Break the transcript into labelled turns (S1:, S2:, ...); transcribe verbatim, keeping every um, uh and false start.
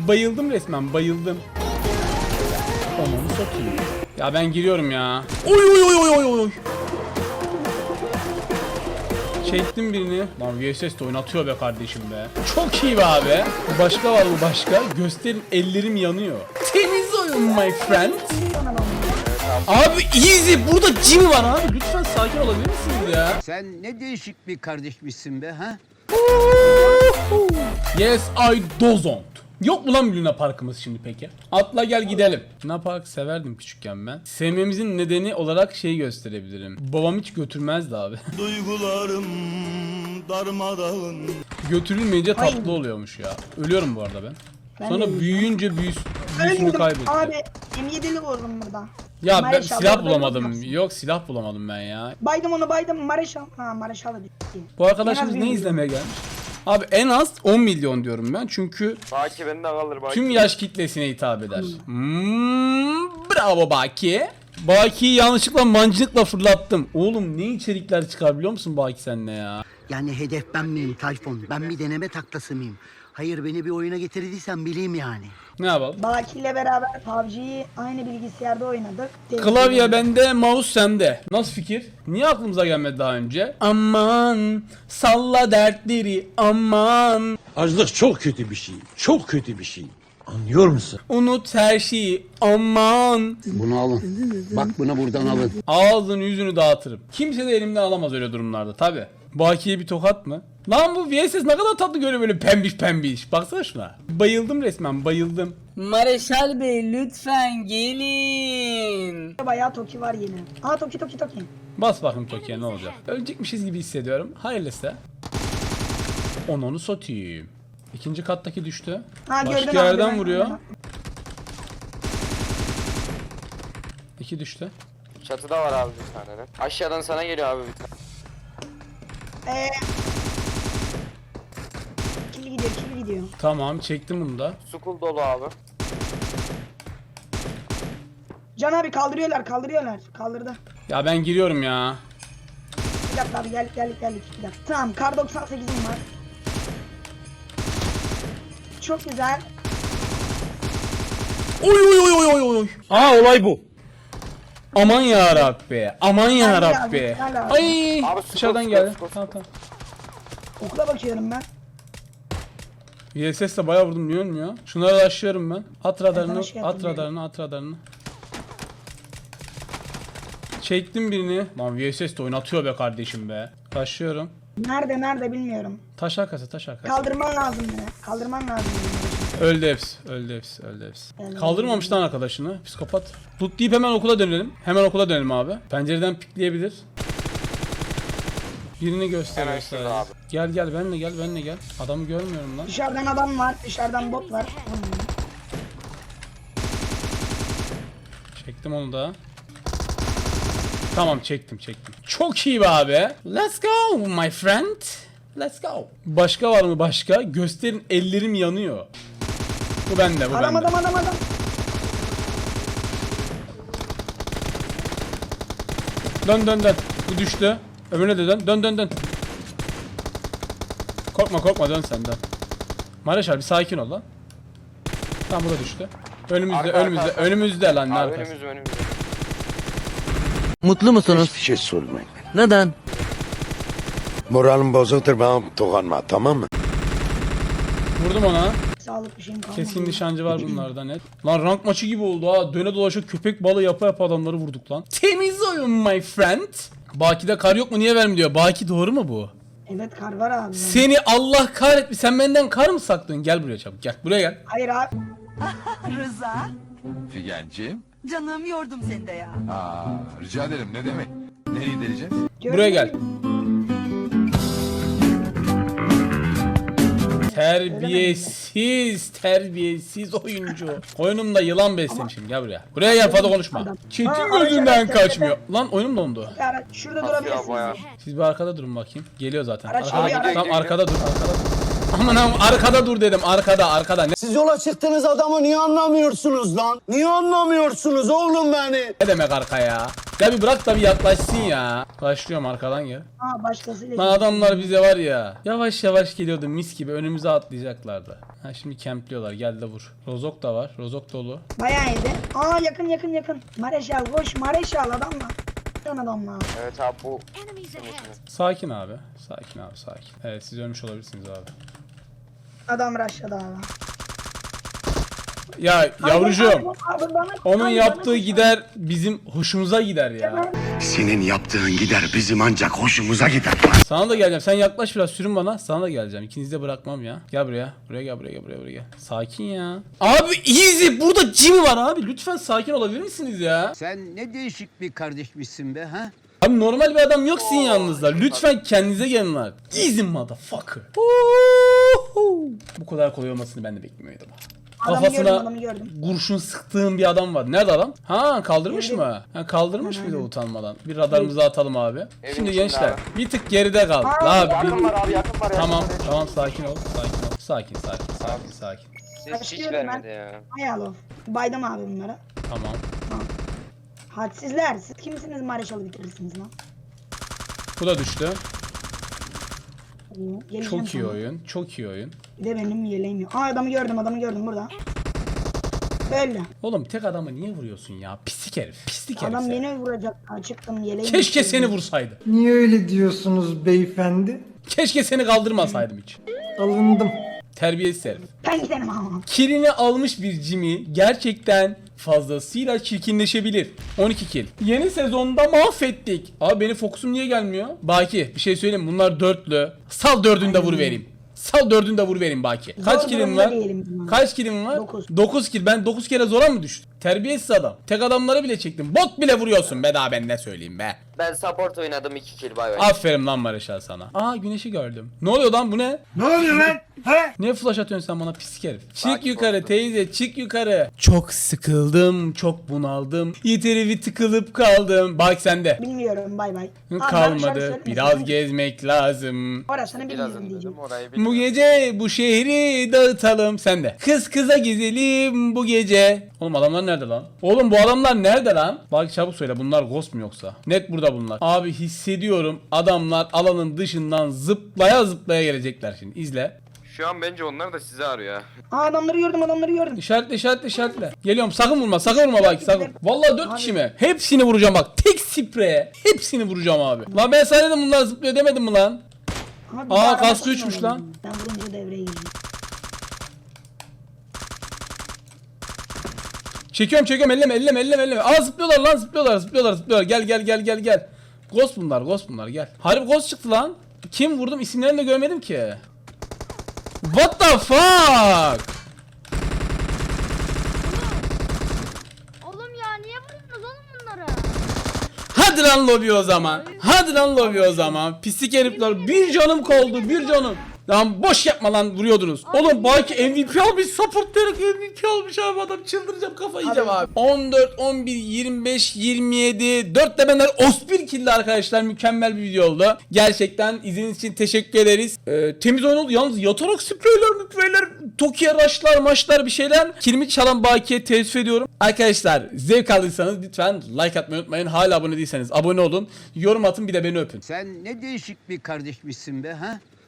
S1: Bayıldım resmen, bayıldım. Onu satayım. Ya ben giriyorum ya. Oy oy oy oy oy oy. Çektim birini. Lan V S S de oynatıyor be kardeşim be. Çok iyi be abi. Başka var mı başka? Gösterin, ellerim yanıyor. Temiz oyun my friend. Abi easy. Burada Jimmy var abi. Lütfen sakin olabilir misiniz ya?
S2: Sen ne değişik bir kardeşmişsin be ha?
S1: Yes I don't. Yok mu lan bir Luna Park'ımız şimdi peki? Atla gel gidelim. Luna Park severdim küçükken ben. Sevmemizin nedeni olarak şeyi gösterebilirim. Babam hiç götürmezdi abi.
S3: Duygularım darmadağın.
S1: Götürülmeyince tatlı
S4: Aynen.
S1: oluyormuş ya. Ölüyorum bu arada ben.
S4: Ben
S1: Sonra
S4: de
S1: büyüyünce büyüs büyüsünü
S4: Öldüm
S1: kaybetti.
S4: abi. M yedi'li vurdum burada.
S1: Ya ben
S4: Mareşal,
S1: silah
S4: orada
S1: bulamadım.
S4: vurmazsın.
S1: Yok silah bulamadım ben ya.
S4: Baydım onu baydım. Mareşal. Ha Mareşal'ı bitti.
S1: Bu arkadaşımız
S4: En az
S1: ne
S4: bir milyon.
S1: izlemeye gelmiş? Abi en az on milyon diyorum ben çünkü
S5: Baki benden kalır Baki.
S1: tüm yaş kitlesine hitap eder. Hmm, bravo Baki. Baki'yi yanlışlıkla mancınıkla fırlattım. Oğlum ne içerikler çıkar biliyor musun Baki seninle ya?
S6: Yani hedef ben miyim Tayfun? Ben bir deneme taklası mıyım? Hayır, beni bir oyuna getirdiysen bileyim yani.
S1: Ne yapalım?
S4: Baki ile beraber P U B G'yi aynı bilgisayarda oynadık.
S1: Klavye bende, mouse sende. Nasıl fikir? Niye aklımıza gelmedi daha önce? Aman salla dertleri aman.
S7: Açlık çok kötü bir şey. Çok kötü bir şey. Anlıyor musun?
S1: Unut her şeyi aman.
S2: Bunu alın. Bak bunu buradan alın.
S1: Ağzını yüzünü dağıtırım. Kimse de elimden alamaz öyle durumlarda tabi. Bakiye bir tokat mı? Lan bu V S S ne kadar tatlı görüyor böyle pembiş pembiş. Baksana şuna. Bayıldım resmen bayıldım.
S8: Mareşal Bey lütfen gelin.
S4: Bayağı Toki var yine. Aa Toki Toki Toki.
S1: Bas bakayım Toki'ye ne olacak. Ölecekmişiz gibi hissediyorum. Hayırlısı. Onu onu satayım. İkinci kattaki düştü.
S4: Ha, gördün
S1: Başka
S4: abi,
S1: yerden
S4: ben-
S1: vuruyor.
S4: ben-
S1: İki düştü.
S5: Çatıda var abi bir tane de. Aşağıdan sana geliyor abi bir tane.
S4: Eee. Kill gidiyor kill gidiyor.
S1: Tamam çektim bunu da.
S5: Sukul dolu abi.
S4: Can abi kaldırıyorlar kaldırıyorlar. Kaldırdı.
S1: Ya ben giriyorum ya.
S4: Bir dakika abi geldik geldik geldik. Bir dakika. Tamam kar doksan sekizim var. Çok güzel.
S1: Oy oy oy oy oy oy. Aa olay bu. Aman ya Rabbi. Aman ya
S4: Gel abi,
S1: Rabbi.
S4: gel abi.
S1: Ay
S5: Abi, skor,
S1: dışarıdan
S5: skor,
S1: geldi.
S5: skor.
S1: Tamam tamam.
S4: Okula bakıyorum ben.
S1: V S S'le bayağı vurdum niye ölmüyor? Şunları açıyorum ben. At radarını,
S4: sana şey
S1: at
S4: yapayım
S1: radarını, at radarını. Çektim birini. Lan V S S de oynatıyor be kardeşim be. Taşıyorum.
S4: Nerede nerede bilmiyorum.
S1: Taş arkası, taş arkası.
S4: Kaldırman lazım beni. Kaldırman lazım beni.
S1: Öldü hepsi, öldü hepsi, öldü hepsi.
S4: Öldü.
S1: Kaldırmamış lan arkadaşını. Psikopat. Tut deyip hemen okula dönelim. Hemen okula dönelim abi. Pencereden pikleyebilir. Birini gösteriyor
S5: Hemen şurada
S1: sadece.
S5: abi.
S1: Gel gel benle gel benle gel. Adamı görmüyorum lan.
S4: Dışarıdan adam var. Dışarıdan bot var.
S1: Çektim onu da. Tamam çektim çektim. Çok iyi be abi. Let's go my friend. Let's go. Başka var mı başka? Gösterin, ellerim yanıyor. Bu bende bu
S4: Adam
S1: bende.
S4: adam adam adam.
S1: Dön dön dön. Bu düştü. Öbürüne de dön. Dön dön dön. Korkma korkma dön sen dön. Mareşal bir sakin ol lan. Tamam bu da düştü. Önümüzde
S5: Arka,
S1: önümüzde
S5: arka, arka.
S1: önümüzde lan ne
S5: Abi
S1: arkası.
S5: önümüz önümüz.
S6: Mutlu musunuz?
S7: Hiçbir şey sormayın.
S6: Neden?
S7: Moralim bozuktur, bana dokunma, tamam mı?
S1: Vurdum ona.
S4: Sağlık bir şeyim kalmadı.
S1: Keskin nişancı var bunlarda net. Lan rank maçı gibi oldu ha. Döne dolaşa köpek balığı yapa yapa adamları vurduk lan. Temiz oyun my friend. Baki'de kar yok mu niye vermiyor? Baki doğru mu bu?
S4: Evet kar var abi.
S1: Seni Allah kahretmiş. Sen benden kar mı saklıyorsun? Gel buraya çabuk gel. Buraya gel.
S4: Hayır abi.
S9: Rıza,
S10: Figenciğim.
S9: canım yordum seni de ya.
S10: Aa, rica ederim, ne demek? Nereye gideceğiz?
S1: Buraya gel. Terbiyesiz, terbiyesiz oyuncu. Oyunumda yılan beslemişim. Gel buraya. Buraya gel fazla konuşma. Çetin
S4: Aa,
S1: gözünden
S4: araç, araç,
S1: kaçmıyor. Lan oyunum dondu.
S4: Yani şurada
S5: Nasıl ya
S4: durabilirsiniz.
S5: bayağı?
S1: Siz bir arkada durun bakayım. Geliyor zaten.
S4: Araç
S1: Arkada,
S4: geliyor,
S1: tamam
S5: araç
S1: arkada dur, arkada dur. Aman aman arkada dur dedim. Arkada, arkada. Ne,
S6: Siz yola çıktığınız adamı niye anlamıyorsunuz lan? Niye anlamıyorsunuz oğlum beni?
S1: ne demek arka ya? Ya bir bırak da bir yaklaşsın ya. Başlıyorum arkadan gel.
S4: Aa başkasıyla.
S1: Lan adamlar bize var ya. Yavaş yavaş geliyordu mis gibi önümüze atlayacaklardı. Ha şimdi kempliyorlar gel de vur. Rozok da var. Rozok dolu.
S4: Bayağı iyiydi. Aa yakın yakın yakın. Mareşal koş Mareşal adamla. Lan adamla.
S5: Evet abi bu.
S1: Sakin abi. Sakin abi sakin. Evet siz ölmüş olabilirsiniz abi.
S4: Adam rushladı abi.
S1: Ya yavrucuğum.
S4: Abi, abi, bana-
S1: Onun
S4: abi,
S1: yaptığı
S4: bana-
S1: gider bizim hoşumuza gider ya.
S7: Senin yaptığın gider bizim ancak hoşumuza gider.
S1: Sana da geleceğim. Sen yaklaş biraz sürün bana. Sana da geleceğim. İkinizi de bırakmam ya. Gel buraya. Buraya gel buraya gel buraya buraya gel. Sakin ya. Abi easy. Burada Jimmy var abi. Lütfen sakin olabilir misiniz ya?
S2: Sen ne değişik bir kardeşmişsin be ha?
S1: Abi normal bir adam yok sizin yanınızda. Lütfen kendinize gelin lan. Easy motherfucker. Bu kadar kolay olmasını ben de beklemiyordum.
S4: Adamı gördüm,
S1: Kafasına
S4: adamı gördüm.
S1: kurşun sıktığım bir adam var. Nerede adam? Ha kaldırmış mı? Ha kaldırmış mıydı utanmadan? Bir radarımızı atalım abi.
S5: Evin
S1: Şimdi
S5: içinde
S1: gençler
S5: abi.
S1: bir tık geride kal.
S4: Aa,
S1: Abi
S5: Yakın
S1: bir...
S5: var abi yakın var.
S1: Tamam
S5: yakın var.
S1: tamam sakin ol. Sakin ol. Sakin sakin sakin sakin.
S5: Ses hiç
S4: Başlıyorum
S5: vermedi
S4: ben.
S5: ya.
S4: Hayal of. Baydım abi bunlara.
S1: Tamam.
S4: Hadsizler. Siz kimsiniz Mareşal'ı bitirirsiniz lan?
S1: Bu da düştü.
S4: Oo, geleceğim
S1: Çok iyi
S4: sana.
S1: oyun. Çok iyi oyun.
S4: Bir de benim yeleğim yok. Aa adamı gördüm adamı gördüm burada. Öyle.
S1: Oğlum tek adamı niye vuruyorsun ya? Pislik herif. Pislik herif.
S4: Adam
S1: sen.
S4: beni vuracak. Aa, çıktım yeleğim.
S1: Keşke
S4: yok.
S1: seni vursaydı.
S11: Niye öyle diyorsunuz beyefendi?
S1: Keşke seni kaldırmasaydım hiç.
S11: Alındım.
S1: Terbiyesiz herif.
S4: Ben gidelim ama.
S1: Kilini almış bir Jimmy gerçekten fazlasıyla çirkinleşebilir. on iki kill. Yeni sezonda mahvettik. Abi benim fokusum niye gelmiyor? Baki bir şey söyleyeyim mi? Bunlar dörtlü. Sal dördünü de vur vereyim. Sal dördünü de vur vereyim Baki. Kaç
S4: Zor
S1: killim
S4: durumda
S1: var?
S4: değilim ben.
S1: Kaç killim var?
S4: Dokuz.
S1: dokuz kill. Ben dokuz kere zora mı düştüm? Terbiyesiz adam. Tek adamları bile çektim. Bot bile vuruyorsun be daha ben ne söyleyeyim be.
S5: Ben support oynadım iki kill bay bay.
S1: Aferin lan Mareşal sana. Aa güneşi gördüm. Ne oluyor lan bu ne?
S11: Ne oluyor lan? He?
S1: Niye flash atıyorsun sen bana pislik herif? Çık
S5: Takip
S1: yukarı
S5: oldu.
S1: teyze çık yukarı. Çok sıkıldım çok bunaldım. Yeteri bir tıkılıp kaldım. Bak sende.
S4: Bilmiyorum bay bay. Abi, ben şarkı
S1: Kalmadı
S4: söylemesin.
S1: biraz gezmek lazım.
S4: Orasını
S5: Biraz
S4: bilmiyorum
S5: dedim
S4: diyeceğim.
S5: orayı
S1: Bu
S5: bilmiyorum.
S1: gece bu şehri dağıtalım. Sen de. Kız kıza gezelim bu gece. Oğlum adamlar nerede lan? Oğlum bu adamlar nerede lan? Bak çabuk söyle bunlar ghost mu yoksa? Net burada bunlar. Abi hissediyorum adamlar alanın dışından zıplaya zıplaya gelecekler şimdi. İzle.
S5: Şu an bence onlar da sizi arıyor.
S4: Aa adamları gördüm adamları gördüm.
S1: İşaretle işaretle işaretle. Geliyorum sakın vurma sakın vurma bak sakın. Vallahi dört kişi mi? Hepsini vuracağım bak. Tek spreye. Hepsini vuracağım abi. Lan ben sana dedim bunlar zıplıyor demedim mi lan?
S4: Ama bir
S1: Aa,
S4: daha
S1: kaskı
S4: arabasını
S1: üçmüş
S4: oynadım.
S1: lan.
S4: Ben vurunca devreye girdim.
S1: Çekiyorum çekiyorum elleme elleme elleme elleme. Aa zıplıyorlar lan zıplıyorlar zıplıyorlar zıplıyorlar. Gel gel gel gel gel. Ghost bunlar ghost bunlar gel. Harbi ghost çıktı lan. Kim vurdum isimlerini de görmedim ki. What the fuck?
S9: Oğlum ya niye vuruyorsunuz oğlum bunları?
S1: Hadi lan lobi o zaman. Hadi lan lobi o zaman. Pislik herifler. Bir canım kaldı bir canım. Lan boş yapma lan vuruyordunuz. Oğlum belki M V P almış support direkt M V P almış abi adam çıldıracağım kafayı yiyeceğim abi. on dört, on bir, yirmi beş, yirmi yedi, dört de benden otuz bir kill arkadaşlar mükemmel bir video oldu. Gerçekten izlediğiniz için teşekkür ederiz. Ee, temiz oyun oldu yalnız yatarak spreyler müpreyler Tokyo raşlar maçlar bir şeyler. Kilimi çalan Baki'ye teessüf ediyorum. Arkadaşlar zevk aldıysanız lütfen like atmayı unutmayın. Hala abone değilseniz abone olun. Yorum atın bir de beni öpün.
S2: Sen ne değişik bir kardeşmişsin be ha?